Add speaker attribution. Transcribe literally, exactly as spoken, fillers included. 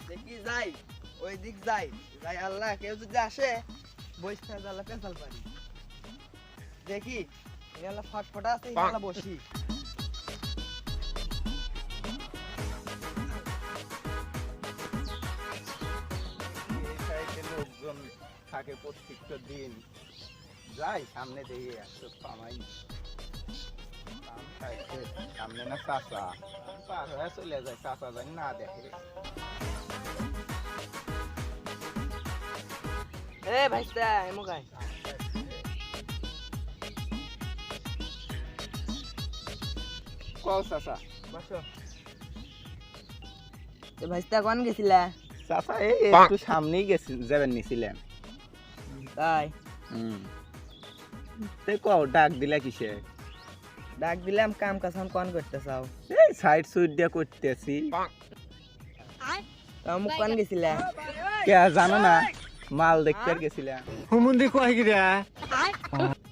Speaker 1: দেখি যাই ওই দিক যাই যাই আল্লাহ কেউ যদি আসে বসতে আল্লাহ পেছাল পারি দেখি আল্লাহ ফটফটা আছে আল্লাহ বসি
Speaker 2: লোকজন থাকে প্রত্যেকটা দিন যাই সামনে দিয়ে একটু পামাই সামনে না চাষা পার হয়ে চলে যায় চাষা যায় না দেখে
Speaker 1: এ ভাইস্তা এমুকাই
Speaker 2: কও চাষা
Speaker 1: বসো তো ভাইস্তা কোন গেছিলা
Speaker 2: চাষা এই একটু সামনেই গেছি যাবেন নিছিলেন
Speaker 1: তাই
Speaker 2: হুম তে কও ডাক দিলা কিসে
Speaker 1: ডাক দিলাম কাম কাজ কোন করতে চাও
Speaker 2: এই সাইড সুইড দিয়া করতেছি
Speaker 1: আমু কোন গেছিলা
Speaker 2: কে জানো না মাল দেখতে গেছিলাম
Speaker 3: হুমুন্দি কয় গিরা